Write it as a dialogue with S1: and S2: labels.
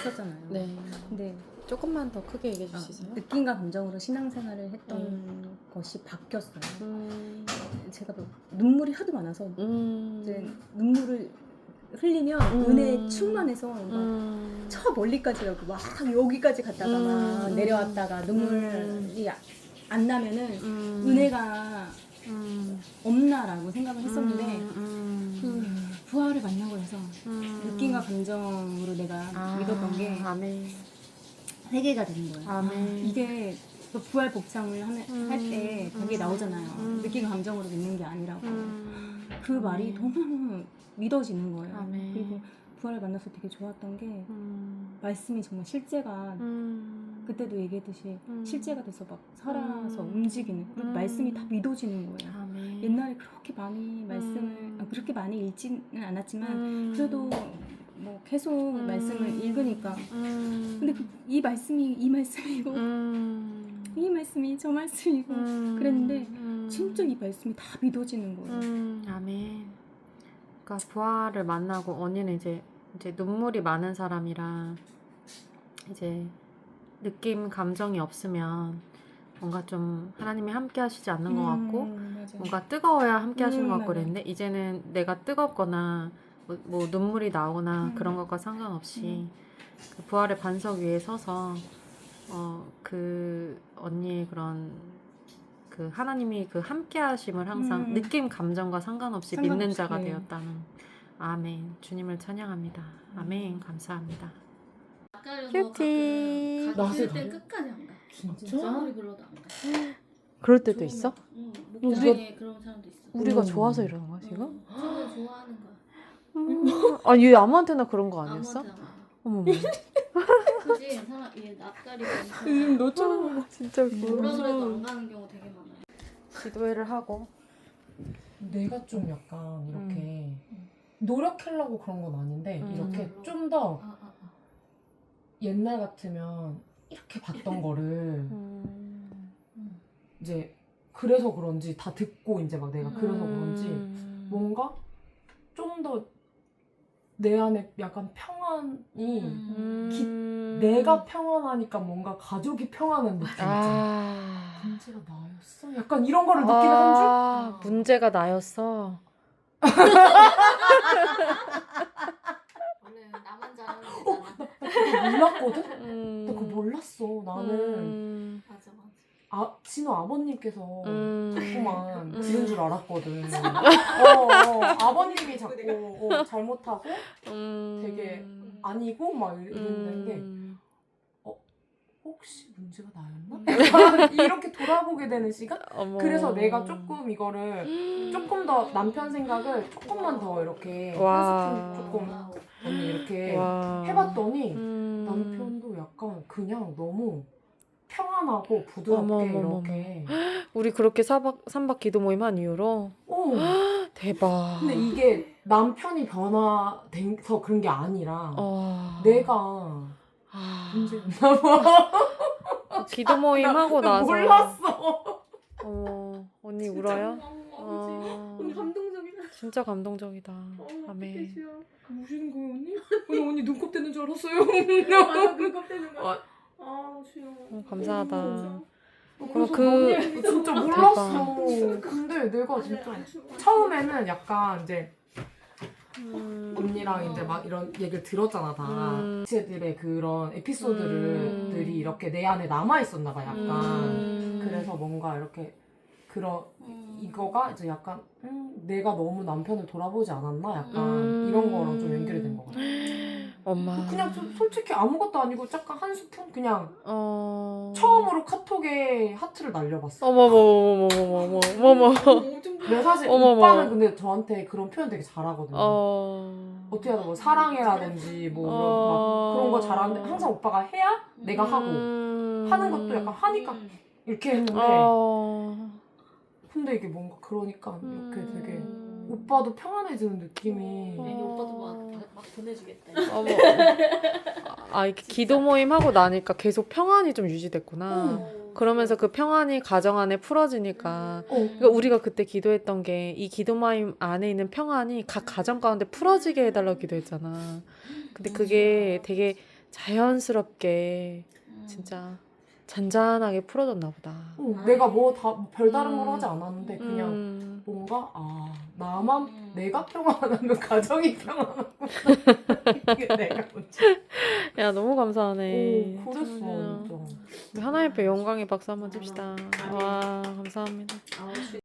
S1: 했었잖아요.
S2: 네.
S1: 근데
S2: 조금만 더 크게 얘기해 주실 수 있어요?
S1: 느낌과 감정으로 신앙생활을 했던 것이 바뀌었어요. 제가 뭐 눈물이 하도 많아서 이제 눈물을 흘리면 은혜에 충만해서 막 저 멀리까지 가고 막 여기까지 갔다가 막 내려왔다가 눈물이 안 나면은 은혜가 없나라고 생각을 했었는데 그 부활을 만나고 나서 느낌과 감정으로 내가 믿었던 게
S2: 아멘.
S1: 회개가 되는 거예요.
S2: 아멘.
S1: 이게 그 부활 복장을 할 때 거기에 나오잖아요. 느낌과 감정으로 믿는 게 아니라고. 그 말이 너무 믿어지는 거예요.
S2: 아멘.
S1: 그리고 부활을 만나서 되게 좋았던 게 말씀이 정말 실제가 그때도 얘기했듯이 실제가 돼서 막 살아서 움직이는 그리고 말씀이 다 믿어지는 거예요.
S2: 아멘.
S1: 옛날에 그렇게 많이 말씀을 그렇게 많이 읽지는 않았지만 그래도 뭐 계속 말씀을 읽으니까 근데 이 말씀이 이 말씀이고 이 말씀이 저 말씀이고 그랬는데 진짜 이 말씀이 다 믿어지는 거예요.
S2: 아멘. 그러니까 부활을 만나고 언니는 이제 눈물이 많은 사람이라 이제 느낌 감정이 없으면 뭔가 좀 하나님이 함께 하시지 않는 것 같고
S1: 맞아.
S2: 뭔가 뜨거워야 함께 하시는 것 같고
S1: 맞아.
S2: 그랬는데 이제는 내가 뜨겁거나 뭐 눈물이 나오거나 그런 것과 상관없이 그 부활의 반석 위에 서서 그 언니의 그런 그 하나님이 그 함께 하심을 항상 느낌 감정과 상관없이 믿는 자가
S1: 네.
S2: 되었다는 아멘. 주님을 찬양합니다. 아멘. 감사합니다.
S3: 낯가려서
S2: 큐티.
S3: 가끔 가기 싫을
S4: 낯을
S3: 땐
S4: 가려?
S3: 끝까지 안 가.
S4: 진짜?
S3: 아무리 불러도 안 가.
S2: 그럴 때도
S3: 좋으면
S2: 있어?
S3: 가. 응. 목장에 그런 사람도 있어.
S2: 우리가 좋아서 이러는 거야 지금?
S3: 응. 처음에 좋아하는 거야.
S2: 아, 얘 아무한테나 그런 거 아니었어?
S3: 아무한테나 말.
S2: 어머머.
S3: 그지? 사람 얘 낯가리고 엄청
S2: 너처럼 진짜
S3: 뭐라 그래도 안 가는 경우 되게 많아요.
S2: 기도회를 하고
S4: 내가 좀 약간 이렇게 노력하려고 그런 건 아닌데 이렇게
S3: 음.
S4: 좀 더
S3: 아.
S4: 옛날 같으면 이렇게 봤던 거를 이제 그래서 그런지 다 듣고 이제 막 내가 그래서 그런지 뭔가 좀 더 내 안에 약간 평안이 내가 평안하니까 뭔가 가족이 평안한 느낌 있잖아. 문제가 나였어? 약간 이런 거를 느끼는 한 줄?
S2: 문제가 나였어.
S3: 원래 나만 잘하는 거잖아.
S4: 그거 몰랐거든? 나 그거 몰랐어. 나는
S3: 맞아.
S4: 진호 아버님께서 자꾸만
S2: 음.
S4: 지은 줄 알았거든. 아버님이 자꾸 잘못하고 되게 아니고 막 이랬는데 혹시 문제가 나였나? 이렇게 돌아보게 되는 시간?
S2: 어머.
S4: 그래서 내가 조금 이거를 조금 더 남편 생각을 조금만 더 이렇게
S2: 와.
S4: 한 스푼 조금 언니 이렇게
S2: 와.
S4: 해봤더니 남편도 약간 그냥 너무 평안하고 부드럽게
S2: 어머머머머.
S4: 이렇게
S2: 우리 그렇게 삼박 기도 모임 한 이후로 대박.
S4: 근데 이게 남편이 변화돼서 그런 게 아니라 내가 문제였나 봐.
S2: 기도 모임 하고
S4: 나
S2: 나서
S4: 몰랐어.
S2: 언니 울어요?
S4: 언니 감동적이다.
S2: 진짜 감동적이다. 아멘.
S4: 우시는 거예요 언니? 언니 눈곱 떼는 줄 알았어요. 맞아 눈곱 떼는 거야. 주여.
S2: 감사하다.
S4: 그럼 진짜 몰랐어. 근데 내가 진짜 처음에는 약간 이제 언니랑 이제 막 이런 얘기를 들었잖아 다. 쟤들의 그런 에피소드들이 이렇게 내 안에 남아 있었나 봐 약간. 그래서 뭔가 이렇게 이거가 이제 약간 내가 너무 남편을 돌아보지 않았나 약간 이런 거랑 좀 연결이 된 것 같아.
S2: 엄마.
S4: 그냥 솔직히 아무것도 아니고 잠깐 한 스푼 그냥 처음으로 카톡에 하트를 날려봤어.
S2: 어머머머머머머머머.
S4: 근데 사실
S2: 어머머.
S4: 오빠는 근데 저한테 그런 표현 되게 잘하거든요. 어떻게 하다 뭐 사랑해라든지 뭐 이런 막 그런 거 잘하는데 항상 오빠가 해야 내가 하고 하는 것도 약간 하니까 이렇게 했는데 근데 이게 뭔가 그러니까 이렇게 되게 오빠도 평안해지는 느낌이.
S3: 괜히 오빠도 막 보내주겠다.
S2: 어머. 이렇게 기도 모임 하고 나니까 계속 평안이 좀 유지됐구나. 그러면서 그 평안이 가정 안에 풀어지니까 그러니까 우리가 그때 기도했던 게 이 기도 모임 안에 있는 평안이 각 가정 가운데 풀어지게 해달라고 기도했잖아. 근데 그게 되게 자연스럽게 진짜 잔잔하게 풀어졌나 보다.
S4: 내가 뭐 다 별다른 걸 하지 않았는데 그냥 뭔가 나만 내가 평안하면 가정이 평안하고 이게 내가 문제.
S2: 야 너무 감사하네.
S4: 오, 그랬어
S2: 진짜.
S4: 진짜.
S2: 우리 하나님께 영광의 박수 한번 칩시다. 와 감사합니다.